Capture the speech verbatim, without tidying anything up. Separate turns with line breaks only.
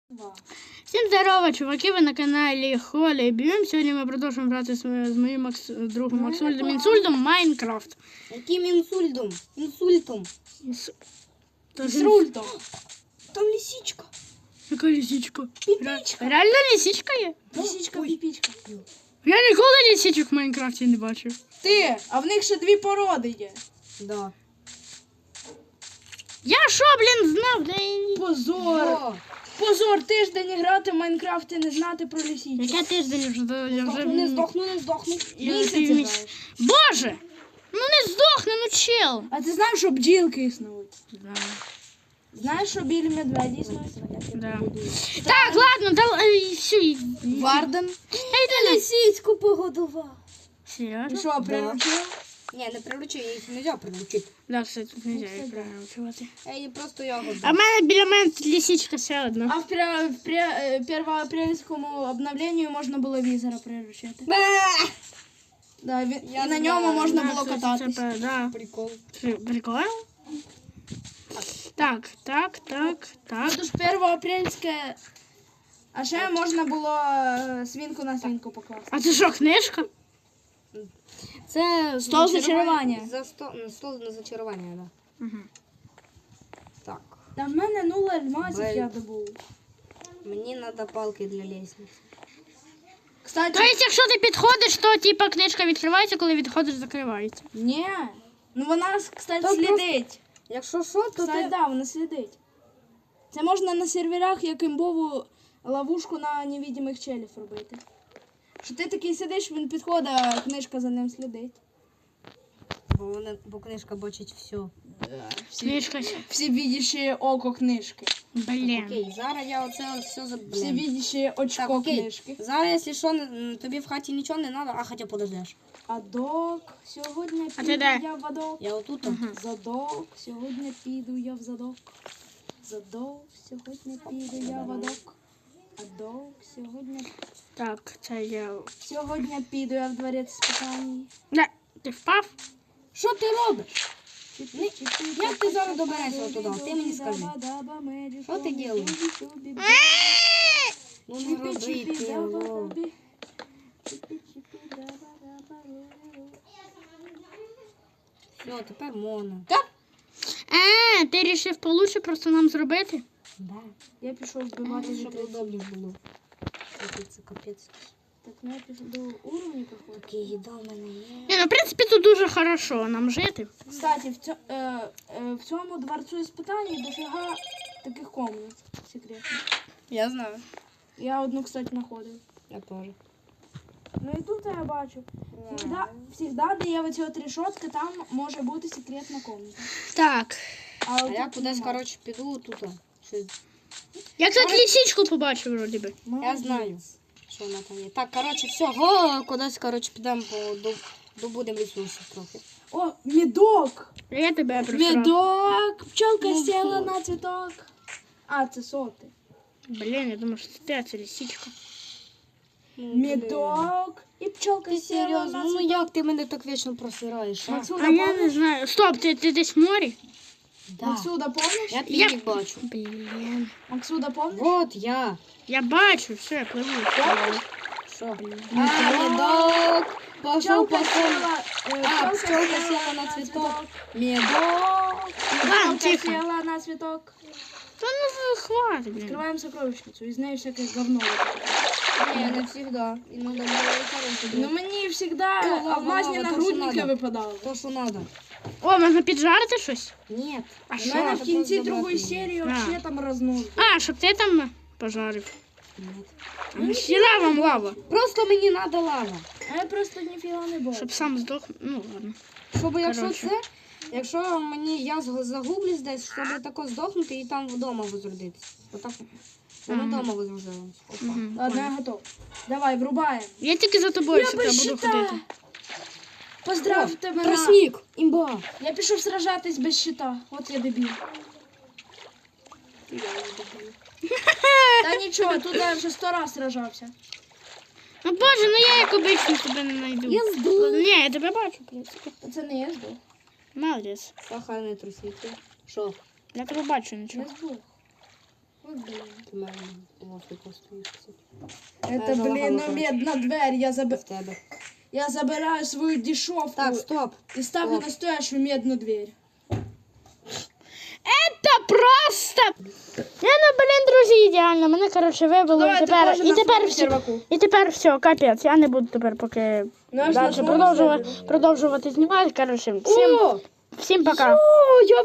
Всім здорово, чуваки, ви на каналі Холя і Б'єм. Сьогодні ми продовжуємо грати з, з моїм Макс, другом Максульдом Інсульдом Майнкрафт.
Яким інсультом? Інсультом.
Інс...
Інсультом. Там лисичка.
Яка лисичка?
Піпічка.
Реально лисичка є?
Лисичка, піпічка.
Я ніколи лисичок в Майнкрафті не бачив.
Ти, а в них ще дві породи є.
Да.
Я що, блін, знав? Да і...
Позор.
О,
Позор, тиждень грати в Майнкрафт і не знати про лисичку.
Яке тиждень вже? до- Я вже...
здохну, не здохну, не здохну.
Я
Місяць
вже міс-
граєш.
Боже! Ну не здохне, ну чел.
А ти знаєш, що бджілки існують?
Да.
Знаєш, що білі медведі існують?
Да. Так, ладно, да, е, все. і-
Варден.
Ей, да,
Лисичку погодував.
Ти
серйозно?
що, приручив?
Ні, не приручи, їх не можна приручити.
Да, кстати, тут нельзя їх приручувати.
Я її просто ягоду.
А в мене біля мене лисичка ще одна.
А в, пре- в пре- е, первоапрельському обновленню можна було візера приручити. Да, він,
Я
і на
знаю,
ньому можна
Да,
було
кстати,
кататися.
це, да.
Прикол.
При- Прикольно? Так, так, так, так.
Тут ж первоапрельське. А ще можна було е, свинку на свинку покласти.
А це що, книжка?
Це
Стол зачарування.
За сто... ну, стол на зачарування, да.
Угу.
Так.
Та в мене нуль альмазів
Бель.
я добув.
Мені треба палки для лестниці.
Кстати,
Тобто, якщо ти підходиш, то типа книжка відкривається, коли відходиш, закривається.
ні. Ну вона, кстати,
Та
слідить.
Якщо що, то
Кстати,
ти...
да, вона слідить. Це можна на серверах як імбову ловушку на невидимих челів робити. Що ти такий сидиш, він підходить, а книжка за ним слідить.
Бо, вони... Бо книжка бачить все.
Всі,
Книжка.
всі видіші око книжки.
Блін.
Окей, зараз я оце все за...
Всі видіші очко
Так, окей.
книжки.
Зараз, якщо що, не- тобі в хаті нічого не треба, а хоча подождеш.
А док, сьогодні
А ти
піду
де?
я в адок.
Я отут.
Мгм.
Задок, сьогодні піду я в задок. Задок, сьогодні піду я в адок. Адок, сьогодні...
Так, це я.
Сьогодні піду я в дворець спитань.
Не, ти впав?
Що ти робиш? Як ти зараз доберешся туди? Ти мені скажи. Що ти робиш? Ну не роби цього. Все, тепер можна.
А, ти рішив получше просто нам зробити?
Да.
Я пішов вбивати
Щоб
вітрицю.
удобніше було. Це- Це капець.
Так, ну я пішов до уровня проходить.
Окей, їда в мене є.
Ні, ну в принципі тут дуже хорошо нам жити.
Кстати, в, цьо, е, е, в цьому дворцу іспитань дофіга таких комнат секретних.
Я знаю.
Я одну, кстати, знаходив.
Я теж.
Ну і тут я бачу. Всегда, всегда, де є оці от решетки, там може бути секретна комната.
Так.
А
от
я
тут
кудись,
нема.
коротше, піду тут. Щось.
Я, кстати, лисичку побачив вроді би.
Я
Молодець.
знаю, що вона там є. Так, коротше, все, го, кудись, коротше, підемо по до- добудемо ресурсів трохи.
О, медок!
Я тебе просрав.
Медок! Пчелка
Ну,
сіла
що?
на цвіток. А, це соти.
Блін, я думаю, що це ти, а це лисичка.
Медок! І пчелка
Ти
сіла
серйозно?
на
Ну
цвіток.
як ти мене так вічно просираєш, а?
Максуда,
А я не
помниш?
знаю. Стоп, ти, ти десь в морі?
Да.
Максуда, помниш?
Я
Я-
твій бачу.
Блін.
Максуда, помниш?
Вот я.
Я бачу, все, я пливу.
Що? А, медок. Пошов,
Пчелка
пошов.
сіла, е,
А,
пчелка
пчелка
сіла
сіла на цвіток.
Медок!
Ладно,
Пчелка
тихо.
сіла на цвіток.
Та ну хватит, блін.
Открываем сокровищницу, из нее всякое говно.
Ні, не завжди. Іногда буває хороше.
Но мне всегда
О, лава,
алмазні
лава, то,
нагрудники
що надо.
випадали.
То, що треба.
О, можна піджарити щось?
Ні.
А
У
що?
мене в
Це
кінці
просто
другої
забрати.
серії
А.
вообще там рознос.
А, щоб ти там пожарив.
Ні.
Сіла вам лава.
Просто мені треба лава.
А я просто ніфіга не бачу.
Щоб сам здох. Ну ладно.
Щоб якщо
Коротше.
це, якщо мені я зг- загублюсь десь, щоб тако здохнути і там вдома возродитись. Отак. Ми
Ага.
вдома возрождаємось. Опа.
Мгм,
Ладно,
понял.
я готов. Давай, врубаємо.
Я тільки за тобою
Я
сюди буду
щита.
ходити.
Поздравте мене.
Тростник! Імба!
Я пішов сражатись без щита. От я дебіл. Та нічого, тут я вже сто раз сражався.
Ну боже, ну я як обично тебе не знайду.
Я здох.
Ні, я тебе бачу, в принципі.
Та це не я здох.
Молодець.
Сахарний тростник. Що?
Я тебе бачу
Я
нічого.
здох.
Ти мене лошадку стоїш, кстати.
Это,
залагало,
блин,
короче.
медна дверь. Я, заб...
В тебе.
я забираю свою дешевку
Так, стоп.
и ставлю
стоп.
настоящую медную дверь.
Это просто. Я, ну, блін, друзі, ідеально. Мене, коротше, вибило.
Давай,
І тепер,
ти теж
і
на
тепер
своєму
все.
серваку.
І тепер все, капець. Я не буду тепер поки
Наш на
далі
своєму
продовжувати,
сервері.
продовжувати знімати. Коротше, всім,
О,
всім пока.
о, я